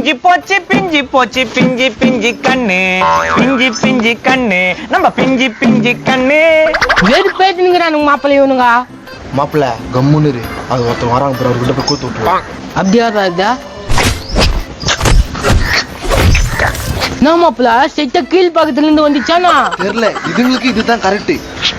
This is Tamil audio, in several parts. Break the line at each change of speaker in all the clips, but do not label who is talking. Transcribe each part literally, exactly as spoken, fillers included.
பிஞ்சி போச்சு பிஞ்சி போச்சு பிஞ்சி பிஞ்சி கண்ணு பிஞ்சி பிஞ்சி கண்ணு நம்ம பிஞ்சி பிஞ்சி கண்ணு
வேறு பேசுனுங்கிறானுங்க மாப்பிள்ளை இவனுங்க.
மாப்பிள்ள கம்முன்னு இரு. அது ஒருத்தர் வராங்க பிறகு அவர்கிட்ட போய் கூத்து விட்டுருவான்.
அப்படியா இதா என்ன மாப்பிள்ள செட்ட கீழ் பக்கத்துல இருந்து வந்துச்சானா
தெரியல. இதுங்களுக்கு இதுதான் correct.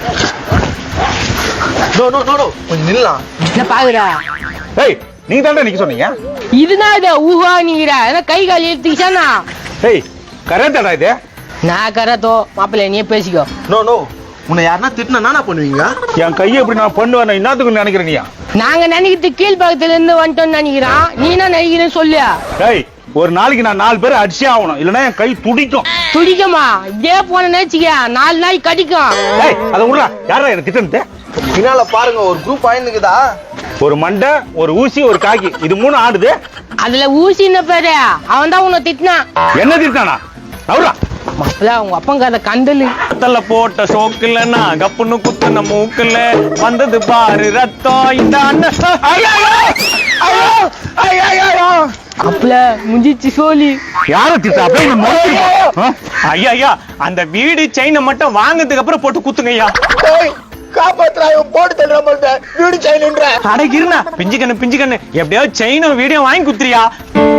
No no no no கொஞ்சம் நில்லாம்.
என்ன பாக்குறா?
ஏய் நீங்க தானே நிக்க சொன்னீங்க.
இதுதான் இத ஊஹா நீங்கிற ஏன்னா கை கால் எடுத்துக்கிச்சானா.
ஏய் கரெக்டாடா இது.
நான் கரத்தோ மாப்பிள்ளை நீ பேசிக்கோ.
நோ நோ உன்னை யாருன்னா திட்டினா நானா பண்ணுவீங்க?
என் கையை எப்படி நான் பண்ணுவேன் என்னத்துக்கு நினைக்கிறேன் நீயா?
நாங்க நினைக்கிறது கீழ் பக்கத்துல இருந்து வந்துட்டோம்னு நினைக்கிறான். நீ என்ன நினைக்கிறேன்னு சொல்லு.
ஏய் ஒரு நாளைக்கு நான் நாலு பேர் அடிச்சே ஆகணும், இல்லைன்னா என் கை துடிக்கும்.
துடிக்குமா? இதே போன நினைச்சிக்க நாலு நாய் கடிக்கும்.
ஏய் அதை விடுறா. யாரா எனக்கு திட்டனது?
பின்னால பாருங்க ஒரு குரூப் ஆயினுக்குதா.
ஒரு மண்டை ஒரு ஊசி ஒரு காக்கி இது மூணு ஆடுது.
அதுல ஊசி என்ன பேரு? அவன் தான் உன்னை திட்டினான்.
என்ன திட்டானா? நவுறா
மாப்பிள்ள உங்க அப்பங்க அதை கண்டலு
தல போட்ட சோக்குல நான் கப்புன்னு குத்துன மூக்குல வந்தது பாரு ரத்தம் இந்த அண்ணன். ஐயோ ஐயோ ஐயோ
அப்பல முடிச்சு சோழி.
யார திட்டா? அப்படியே
ஐயா ஐயா அந்த வீடு செயினை மட்டும் வாங்கினதுக்கு அப்புறம் போட்டு குத்துங்க ஐயா.
காப்பாத்துறா போட்டு தள்ளுற மாதிரி வீடு செய்யணுன்ற.
அட இருண்ணா பிஞ்சு கண்ணு பிஞ்சு கண்ணு எப்படியாவது செயினும் வீடியோ வாங்கி குத்துறியா?